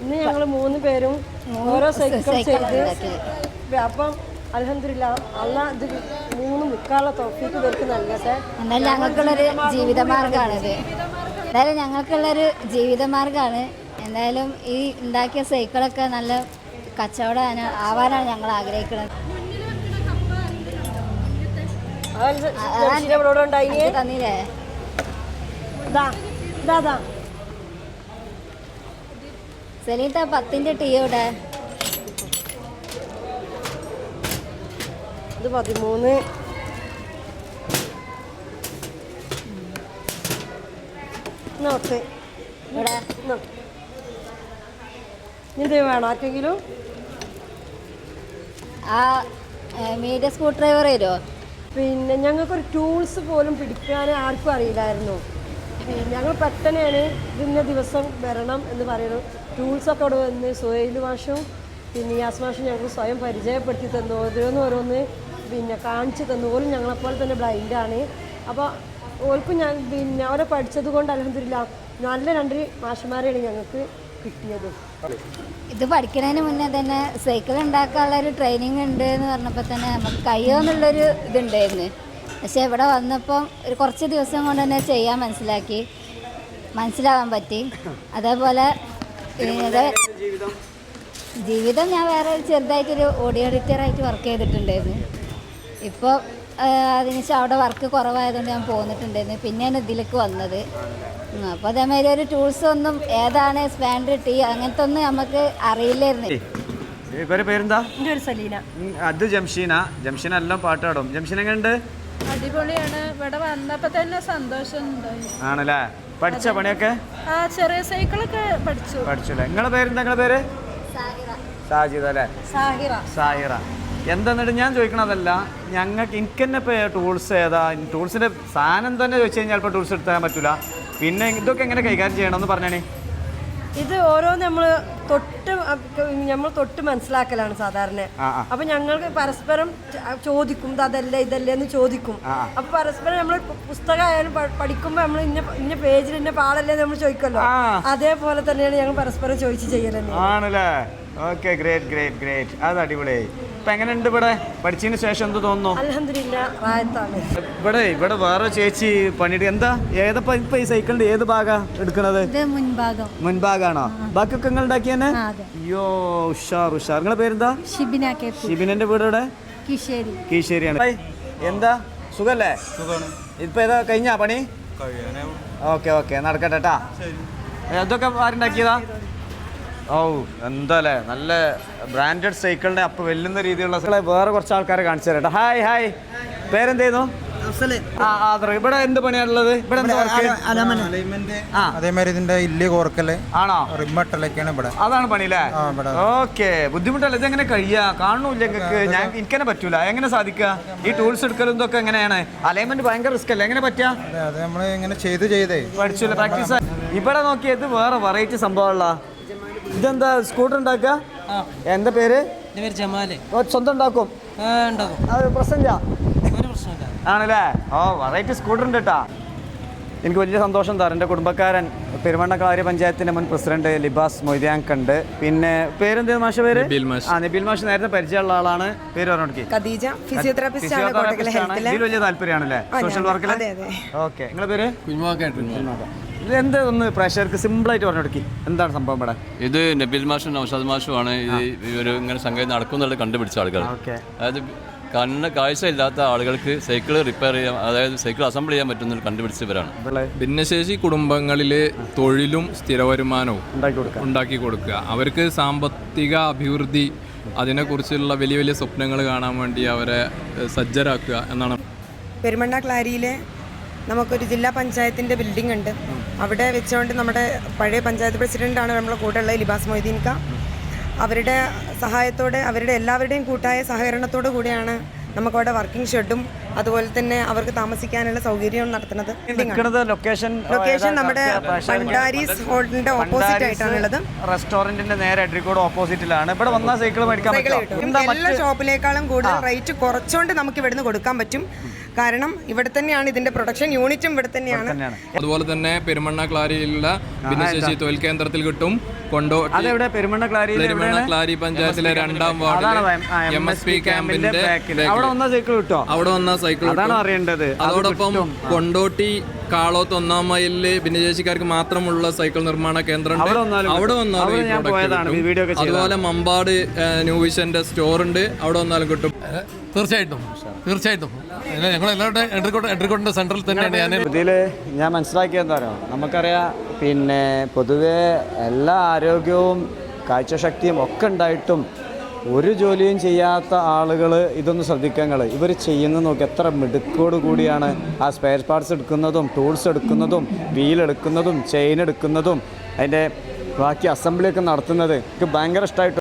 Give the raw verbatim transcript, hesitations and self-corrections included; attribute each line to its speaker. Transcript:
Speaker 1: ഇന്ന് ഞങ്ങൾ മൂന്ന് പേരും ഓരോ സൈക്കിൾ ചെയ്ത് അപ്പം അൽഹംദുലില്ലാ അള്ളാഹ് ഇത് മൂന്ന് മുക്കാലുള്ള തൗഫീഖ് ഇവർക്ക് നൽകട്ടെ.
Speaker 2: എന്നാൽ ഞങ്ങൾക്കുള്ളൊരു ജീവിതമാർഗ്ഗമാണിത്. എന്തായാലും ഞങ്ങൾക്കുള്ളൊരു ജീവിതമാർഗ്ഗമാണ്. എന്തായാലും ഈ ഉണ്ടാക്കിയ സൈക്കിളൊക്കെ നല്ല കച്ചവടം ആവാനാണ് ഞങ്ങൾ ആഗ്രഹിക്കുന്നത്. തന്നില്ലേ സെലീട്ട പത്തിന്റെ ടീ ഇവിടെ
Speaker 1: ഇത് പതിമൂന്ന് നോക്ക്
Speaker 2: ഇവിടെ
Speaker 1: ഇത് വേണം ആർക്കെങ്കിലും.
Speaker 2: ആ മീഡിയ സ്ക്രൂ ഡ്രൈവർ വരുമോ?
Speaker 1: പിന്നെ ഞങ്ങൾക്കൊരു ടൂൾസ് പോലും പിടിക്കാൻ ആർക്കും അറിയില്ലായിരുന്നു. പിന്നെ ഞങ്ങൾ പെട്ടെന്നാണ് ഇതിന്ന ദിവസം വരണം എന്ന് പറയുന്നത്. ടൂൾസൊക്കെ അവിടെ വന്ന് സുഹൈൽ മാഷും പിന്നെ യാസ് മാഷും ഞങ്ങൾക്ക് സ്വയം പരിചയപ്പെടുത്തി തന്നു. ഓരോന്ന് ഓരോന്ന് പിന്നെ കാണിച്ചു തന്നു. ഓരും ഞങ്ങളെപ്പോലെ തന്നെ ബ്ലൈൻഡാണ്. അപ്പോൾ ഓർക്കും ഞാൻ പിന്നെ അവരെ പഠിച്ചത് കൊണ്ട് അൽഹംദുലില്ലാ നല്ല രണ്ട് മാഷന്മാരെയാണ് ഞങ്ങൾക്ക് കിട്ടിയത്.
Speaker 2: ഇത് പഠിക്കുന്നതിന് മുന്നേ തന്നെ സൈക്കിൾ ഉണ്ടാക്കാനുള്ള ഒരു ട്രെയിനിങ് ഉണ്ട് എന്ന് പറഞ്ഞപ്പോൾ തന്നെ നമുക്ക് കഴിയുമെന്നുള്ളൊരു ഇതുണ്ടായിരുന്നു. പക്ഷേ ഇവിടെ വന്നപ്പം ഒരു കുറച്ച് ദിവസം കൊണ്ട് തന്നെ ചെയ്യാൻ മനസ്സിലാക്കി മനസ്സിലാവാൻ പറ്റി. അതേപോലെ ജീവിതം ഞാൻ വേറെ ചെറുതായിട്ടൊരു ഓഡിയോ എഡിറ്ററായിട്ട് വർക്ക് ചെയ്തിട്ടുണ്ടായിരുന്നു. ഇപ്പോൾ അതിനുശേഷം അവിടെ വർക്ക് കുറവായതുകൊണ്ട് ഞാൻ പോന്നിട്ടുണ്ടായിരുന്നു. പിന്നെയാണ് ഇതിലേക്ക് വന്നത്. അപ്പോൾ അതേമാതിരി ഒരു ടൂൾസ് ഒന്നും ഏതാണ് സ്പാൻഡർ ടീ അങ്ങനത്തെ ഒന്നും നമുക്ക് അറിയില്ലായിരുന്നു.
Speaker 3: പേരെന്താ?
Speaker 1: എൻ്റെ ഒരു സലീന.
Speaker 3: അത് ജംഷീന. ജംഷീന എല്ലാം പാട്ടാടും. ജംഷീന എങ്ങനെയുണ്ട്?
Speaker 4: അടിപൊളിയാണ്. ഇവിടെ വന്നപ്പോൾ തന്നെ സന്തോഷം
Speaker 3: ആണല്ലേ? പഠിച്ച പണിയൊക്കെ?
Speaker 4: ആ ചെറിയ സൈക്കിളൊക്കെ പഠിച്ചു
Speaker 3: പഠിച്ചല്ലേ. നിങ്ങളെ പേരെന്താ? നിങ്ങളെ പേര് സാജിദ അല്ലേ?
Speaker 1: സാഹിറ.
Speaker 3: സാഹിറ. എന്താന്നിട്ട് ഞാൻ ചോദിക്കണതല്ല, ഞങ്ങൾക്ക് എനിക്ക് തന്നെ ഇപ്പോൾ ടൂൾസ് ഏതാ ടൂൾസിൻ്റെ സാധനം തന്നെ ചോദിച്ചു കഴിഞ്ഞാൽ ഇപ്പോൾ ടൂൾസ് എടുത്താൻ പറ്റില്ല. പിന്നെ ഇതൊക്കെ എങ്ങനെ കൈകാര്യം ചെയ്യണമെന്ന് പറഞ്ഞേ.
Speaker 1: ഇത് ഓരോ നമ്മൾ തൊട്ട് നമ്മൾ തൊട്ട് മനസ്സിലാക്കലാണ് സാധാരണ. അപ്പൊ ഞങ്ങൾക്ക് പരസ്പരം ചോദിക്കും അതല്ല ഇതല്ലേ എന്ന് ചോദിക്കും. അപ്പൊ പരസ്പരം നമ്മൾ പുസ്തകമായാലും പഠിക്കുമ്പോൾ നമ്മൾ ഇന്ന ഇന്ന പേജിൽ ഇന്ന പാടല്ലേ നമ്മൾ ചോദിക്കല്ലോ. അതേപോലെ തന്നെയാണ് ഞങ്ങൾ പരസ്പരം ചോദിച്ച് ചെയ്യലെന്ന്.
Speaker 3: ആണല്ലേ? Okay, great great great. അത് അടിപൊളിയായി. ഇപ്പൊ എങ്ങനെയുണ്ട് ഇവിടെ പഠിച്ചതിന് ശേഷം? എന്ത് തോന്നുന്നു?
Speaker 1: അൽഹംദുലില്ലാ റാഹത്താണ്.
Speaker 3: ഇവിടെ ഇവിടെ വേറെ ചേച്ചി പണിയിട്ട് എന്താ ഏതപ്പോ ഇപ്പൊ ഈ സൈക്കിളിന്റെ ഏത് ഭാഗാ എടുക്കണത്?
Speaker 2: മുൻഭാഗം.
Speaker 3: മുൻഭാഗാണോ? ബാക്കിയൊക്കെ നിങ്ങൾ ഉണ്ടാക്കിയെന്നെ? അയ്യോ ഉഷാർ ഉഷാർ. നിങ്ങളെ പേരെന്താ?
Speaker 2: ഷിബിന.
Speaker 3: ഷിബിനന്റെ വീട് ഇവിടെ
Speaker 2: കീശേരി.
Speaker 3: കീശേരിയാണ്. എന്താ സുഖല്ലേ? ഇപ്പൊ ഏതാ കഴിഞ്ഞാ പണി? ഓക്കെ ഓക്കെ നടക്കട്ടെ കേട്ടാ. അതൊക്കെ ആരുണ്ടാക്കിയതാ? ഓ എന്താല്ലേ നല്ല ബ്രാൻഡഡ് സൈക്കിളിന്റെ അപ്പൊ വെല്ലുന്ന രീതിയിലുള്ള വേറെ കുറച്ച് ആൾക്കാരെ കാണിച്ചു തരട്ടെ. Hi hi. പേരെന്തേന്നു? ഇവിടെ എന്ത് പണിയാണുള്ളത്? ഇവിടെ
Speaker 5: അതേമാതിരി ഇതിന്റെ ഇല്ലി കോർക്കല്
Speaker 3: ആണോ?
Speaker 5: റിമ്മട്ടലൊക്കെയാണ് ഇവിടെ.
Speaker 3: അതാണ് പണിയില്ലേ? ഓക്കെ. ബുദ്ധിമുട്ടല്ല. ഇതെങ്ങനെ കഴിയാ? കാണൂല്ല ഞങ്ങൾക്ക്. ഞാൻ എനിക്കെന്നെ പറ്റൂല. എങ്ങനെ സാധിക്കുക? ഈ ടൂൾസ് എടുക്കലും ഇതൊക്കെ എങ്ങനെയാണ്? അലൈൻമെന്റ് ഭയങ്കര റിസ്ക് അല്ലേ? എങ്ങനെ പറ്റാ?
Speaker 5: അത് നമ്മൾ ഇങ്ങനെ ചെയ്ത് ചെയ്തേ
Speaker 3: പഠിച്ചില്ല. പ്രാക്ടീസ്. ഇവിടെ നോക്കിയത് വേറെ വെറൈറ്റി സംഭവമുള്ള ഇതെന്താ സ്കൂട്ടർ ഉണ്ടാക്കുക? എന്താ പേര്? സ്വന്തം ഉണ്ടാക്കും? പ്രശ്നമില്ല ആണല്ലേ? ഓ വെറൈറ്റി സ്കൂട്ടർ ഉണ്ട് കേട്ടാ. എനിക്ക് വലിയ സന്തോഷം തരാം. എൻ്റെ കുടുംബക്കാരൻ പെരുമണ്ണക്കാര്യ പഞ്ചായത്തിൻ്റെ മുൻ പ്രസിഡന്റ് ലിബാസ് മൊയ്തയാങ്ക് ഉണ്ട്. പിന്നെ പേരെന്ത് മാഷ പേര്? ആ നബീൽ മാഷ്. നേരത്തെ പരിചയമുള്ള ആളാണ്. പേര് പറഞ്ഞോടക്കി. ഇതിൽ വലിയ താല്പര്യമാണല്ലേ സോഷ്യൽ വർക്കിൽ? ഓക്കെ. നിങ്ങളെ പേര്? എന്ത് ഒന്ന് പ്രേക്ഷകർക്ക് സിമ്പിൾ ആയിട്ട് പറഞ്ഞോടക്കി എന്താണ് സംഭവം ഇവിടെ?
Speaker 6: ഇത് നബീൽ മാഷും നൗഷാദ് മാഷുമാണ് ഈ ഒരു ഇങ്ങനെ സംഗതി നടക്കുന്നുള്ളത് കണ്ടുപിടിച്ച ആളുകൾ. അതായത് കണ്ണ് കാഴ്ച ഇല്ലാത്ത ആളുകൾക്ക് സൈക്കിൾ റിപ്പയർ ചെയ്യാൻ, അതായത് സൈക്കിൾ അസംബിൾ ചെയ്യാൻ പറ്റുന്നത് കണ്ടുപിടിച്ചവരാണ്.
Speaker 7: ഭിന്നശേഷി കുടുംബങ്ങളിൽ തൊഴിലും സ്ഥിര വരുമാനവും ഉണ്ടാക്കി കൊടുക്കുക, അവർക്ക് സാമ്പത്തിക അഭിവൃദ്ധി, അതിനെക്കുറിച്ചുള്ള വലിയ വലിയ സ്വപ്നങ്ങൾ കാണാൻ വേണ്ടി അവരെ സജ്ജരാക്കുക എന്നാണ്.
Speaker 8: പെരുമണ്ണ ക്ലാരിയിലെ നമുക്കൊരു ജില്ലാ പഞ്ചായത്തിൻ്റെ ബിൽഡിംഗ് ഉണ്ട്. അവിടെ വെച്ചുകൊണ്ട് നമ്മുടെ പഴയ പഞ്ചായത്ത് പ്രസിഡൻ്റാണ് നമ്മളെ കൂടെ ഉള്ളത്, ലിബാസ് മൊയ്തീൻക. അവരുടെ സഹായത്തോടെ അവരുടെ എല്ലാവരുടെയും കൂട്ടായ സഹകരണത്തോടു കൂടിയാണ് നമുക്കവിടെ വർക്കിംഗ് ഷെഡും അതുപോലെ തന്നെ അവർക്ക് താമസിക്കാനുള്ള സൗകര്യം നടത്തുന്നത്
Speaker 3: നിൽക്കുന്നത് ലൊക്കേഷൻ
Speaker 8: ലൊക്കേഷൻ നമ്മുടെ ഭണ്ഡാരീസ് ഹോട്ടലിന്റെ ഓപ്പോസിറ്റ് ആയിട്ടാണുള്ളത്.
Speaker 3: റെസ്റ്റോറന്റിന്റെ നേരെ അഡ്രിക്കോട് ഓപ്പോസിറ്റിലാണ്. ഇവിടെ വന്ന സൈക്കിൾ മേടിക്കാൻ
Speaker 8: സൈക്കിൾ
Speaker 3: പറ്റും.
Speaker 8: കിട്ടും.
Speaker 3: എന്താ
Speaker 8: എല്ലാ ഷോപ്പിലേക്കാളും കൂടുതൽ റേറ്റ് കുറച്ചുകൊണ്ട് നമുക്ക് ഇവിടുന്ന് കൊടുക്കാൻ പറ്റും. കാരണം ഇവിടെ തന്നെയാണ് ഇതിന്റെ പ്രൊഡക്ഷൻ യൂണിറ്റും ഇവിടെ തന്നെയാണ്.
Speaker 7: അതുപോലെ തന്നെ പെരുമണ്ണ ക്ലാരിയിലുള്ള ഭിന്നശേഷി തൊഴിൽ കേന്ദ്രത്തിൽ കിട്ടും. കൊണ്ടോട്ടി
Speaker 3: അതെവിടെ? പെരുമണ്ണ ക്ലാരി
Speaker 7: പെരുമണ്ണ ക്ലാരി പഞ്ചായത്തിലെ രണ്ടാം വാർഡിലെ എം എസ് പി ക്യാമ്പിന്റെ
Speaker 3: അവിടെ വന്ന സൈക്കിൾ കിട്ടോ?
Speaker 7: അവിടെ വന്ന സൈക്കിൾ
Speaker 3: അതാണ് അറിയേണ്ടത്.
Speaker 7: അതോടൊപ്പം കൊണ്ടോട്ടി കാളോത്ത് ഒന്നാം മൈലില് ഭിന്നശേഷിക്കാർക്ക് മാത്രമുള്ള സൈക്കിൾ നിർമ്മാണ കേന്ദ്രം അവിടെ വന്നാലും. അതുപോലെ മമ്പാട് ന്യൂ വിഷന്റെ സ്റ്റോർ ഉണ്ട്, അവിടെ വന്നാലും കിട്ടും.
Speaker 9: തീർച്ചയായിട്ടും തീർച്ചയായിട്ടും ഞങ്ങൾ എല്ലാവരുടെ എഡ്രിക്കോട്ടിൻ്റെ സെൻട്രൽ തന്നെയാണ് ഞാൻ
Speaker 3: ഇതിൽ ഞാൻ മനസ്സിലാക്കിയത് എന്താ പറയുക, നമുക്കറിയാം പിന്നെ പൊതുവേ എല്ലാ ആരോഗ്യവും കാഴ്ചശക്തിയും ഒക്കെ ഉണ്ടായിട്ടും ഒരു ജോലിയും ചെയ്യാത്ത ആളുകൾ ഇതൊന്ന് ശ്രദ്ധിക്കുക. ഇവർ ചെയ്യുന്നത് നോക്കി എത്ര മിടുക്കോട് കൂടിയാണ് ആ സ്പെയർ പാർട്സ് എടുക്കുന്നതും ടൂൾസ് എടുക്കുന്നതും വീൽ എടുക്കുന്നതും ചെയിൻ എടുക്കുന്നതും അതിൻ്റെ ബാക്കി അസംബ്ലിയൊക്കെ നടത്തുന്നത്. എനിക്ക് ഭയങ്കര ഇഷ്ടമായിട്ട്